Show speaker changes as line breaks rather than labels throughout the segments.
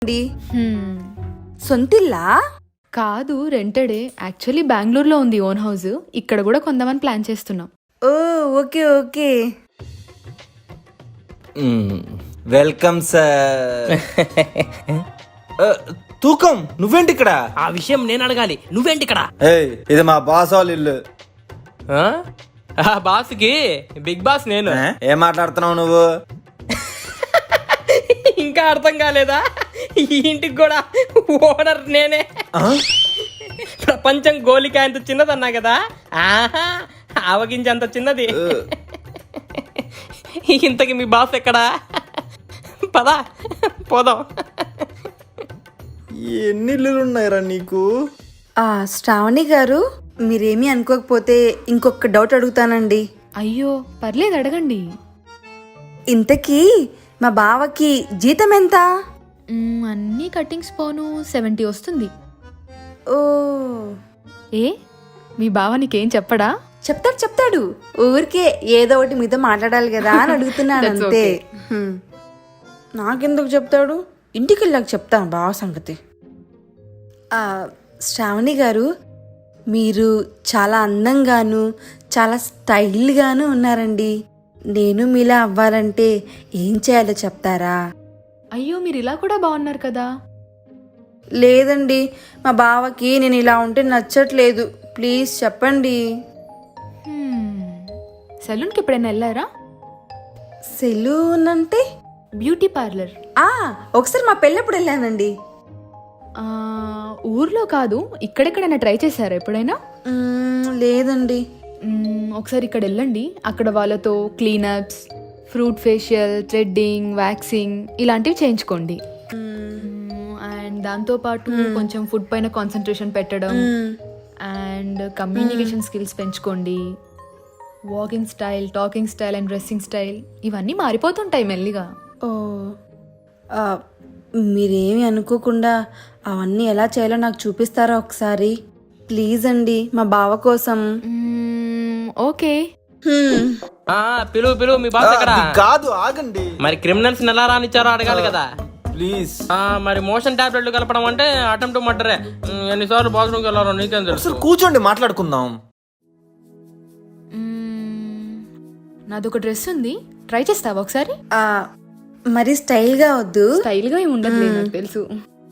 సొంతిల్లా?
కాదు, రెంటెడే. యాక్చువల్లీ బెంగళూరులో ఉంది ఓన్ హౌస్. ఇక్కడ కూడా కొందామని ప్లాన్ చేస్తున్నాం.
Oh okay okay.
Welcome sir. తూకం నువ్వేంటి ఇక్కడ?
ఆ విషయం నేను అడగాలి, నువ్వేంటి ఇక్కడ?
ఇది మా బాస్ వాళ్ళ ఇల్లు.
ఆ బాస్కి బిగ్ బాస్ నేను.
ఏం మాట్లాడుతున్నావు నువ్వు?
ఇంకా అర్థం కాలేదా? ఈ ఇంటికి కూడా ఓనర్ నేనే. ప్రపంచం గోలికాయ అంత చిన్నదన్నా కదా, ఆహా ఆవగించేంత చిన్నది. ఇంతకి మీ బాస్ ఎక్కడా? పదా పోదాం.
ఎన్ని ఇల్లులు ఉన్నాయిరా నీకు?
శ్రావణి గారు, మీరేమీ అనుకోకపోతే ఇంకొక డౌట్ అడుగుతానండి.
అయ్యో పర్లేదు, అడగండి.
ఇంతకీ మా బావకి జీతం ఎంత?
అన్నీ కట్టింగ్స్ పోను 70 వస్తుంది.
ఓ,
ఏ మీ బావ నీకేం చెప్పడా?
చెప్తాడు. ఊరికే ఏదో ఒకటి మీతో మాట్లాడాలి కదా అని అడుగుతున్నాను అంతే. నాకెందుకు చెప్తాడు? ఇంటికి వెళ్ళాక చెప్తాను బావ సంగతి. శ్రావణి గారు, మీరు చాలా అందంగాను చాలా స్టైల్గాను ఉన్నారండి. నేను మీలా అవ్వాలంటే ఏం చేయాలో చెప్తారా?
అయ్యో మీరు ఇలా కూడా బాగున్నారు కదా.
లేదండి, మా బావకి నేను ఇలా ఉంటే నచ్చట్లేదు. ప్లీజ్ చెప్పండి.
సెలూన్కి ఎప్పుడైనా వెళ్ళారా?
సెలూన్ అంటే?
Beauty parlour.
ఒకసారి మా పెళ్ళప్పుడు వెళ్ళానండి.
ఊర్లో కాదు, ఇక్కడెక్కడైనా ట్రై చేశారా ఎప్పుడైనా?
లేదండి.
ఒకసారి ఇక్కడ వెళ్ళండి. అక్కడ వాళ్ళతో cleanups, fruit facial, threading, waxing ఇలాంటివి చేయించుకోండి. అండ్ దాంతోపాటు కొంచెం ఫుడ్ పైన కాన్సన్ట్రేషన్ పెట్టడం అండ్ కమ్యూనికేషన్ స్కిల్స్ పెంచుకోండి. Walking style, talking style and dressing style ఇవన్నీ మారిపోతుంటాయి మెల్లిగా.
ఓ, మీరేమి అనుకోకుండా అవన్నీ ఎలా చేయాలో నాకు చూపిస్తారా ఒకసారి? ప్లీజ్ అండి, మా బావ కోసం.
ఓకే.
పిలువు మీ బాస్ ఎక్కడ?
కాదు, ఆగండి.
మరి క్రిమినల్స్ ఎలా రానిచ్చారో అడగాలి కదా.
ప్లీజ్.
మరి మోషన్ టాబ్లెట్లు కలపడం అంటే అటెంప్ట్ మర్డరే. ఎన్నిసార్లు బాత్రూమ్కి వెళ్ళారో నీకేం తెలుసు.
కూర్చోండి, మాట్లాడుకుందాం.
నాదొక డ్రెస్ ఉంది, ట్రై చేస్తావా ఒకసారి?
మరి స్టైల్గా వద్దు.
స్టైల్గా ఏమి ఉండదు, నాకు తెలుసు.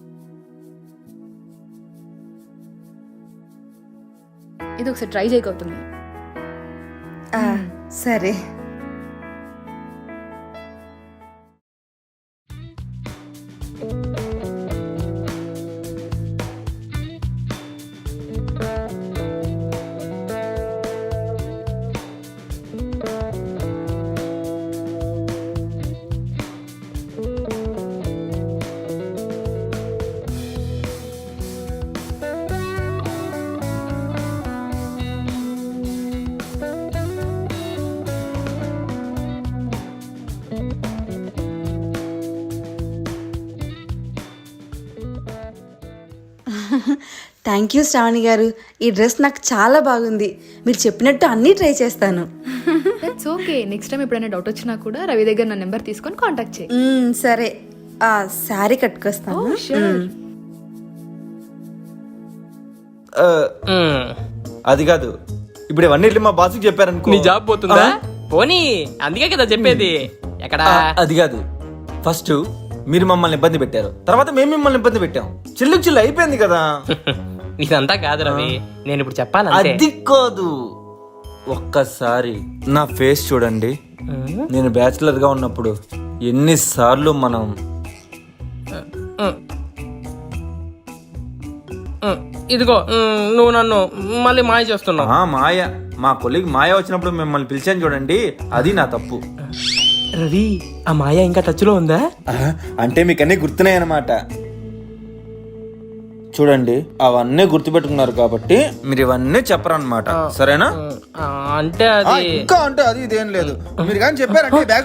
ఇది ఒకసారి ట్రై చేయకపోతుంది.
సరే. థ్యాంక్ యూ శ్రావణి గారు, ఈ డ్రెస్ నాకు చాలా బాగుంది. మీరు చెప్పినట్టు అన్నీ ట్రై చేస్తాను.
That's okay. నెక్స్ట్ టైం ఎప్పుడైనా డౌట్ వచ్చినా కూడా రవి దగ్గర నా నెంబర్ తీసుకొని కాంటాక్ట్ చేయి.
సరే, శారీ కట్టుకొస్తాను.
అది కాదు, ఇప్పుడు ఇవన్నీ మా బాస్కి చెప్పారనుకో,
నీ జాబ్ పోతుందా? పోనీ, అందుకే కదా చెప్పేది. ఎక్కడ?
అది కాదు, ఫస్ట్ మీరు మమ్మల్ని ఇబ్బంది పెట్టారు, తర్వాత మేము మిమ్మల్ని ఇబ్బంది పెట్టాం. చిల్లు అయిపోయింది కదా.
ఇదంతా కాదు రవి, నేను ఇప్పుడు చెప్పాలి.
అది కాదు, ఒక్కసారి నా ఫేస్ చూడండి. నేను బ్యాచిలర్ గా ఉన్నప్పుడు ఎన్నిసార్లు మనం
ఇదిగో నువ్వు నన్ను మళ్ళీ మాయ చేస్తున్నావు.
మాయ, మా కొలీగ్ మాయ వచ్చినప్పుడు మిమ్మల్ని పిలిచాను చూడండి, అది నా తప్పు.
రవి, ఆ మాయ ఇంకా టచ్ లో ఉందా?
అంటే మీకు అన్ని గుర్తున్నాయి అన్నమాట. చూడండి, అవన్నీ గుర్తుపెట్టుకున్నారు కాబట్టి మీరు ఇవన్నీ చెప్పరన్నమాట, సరేనా?
అంటే అది
ఇంకా అంటే అది ఇదేం లేదు. మీరు కానీ చెప్పారంటే బ్యాగ్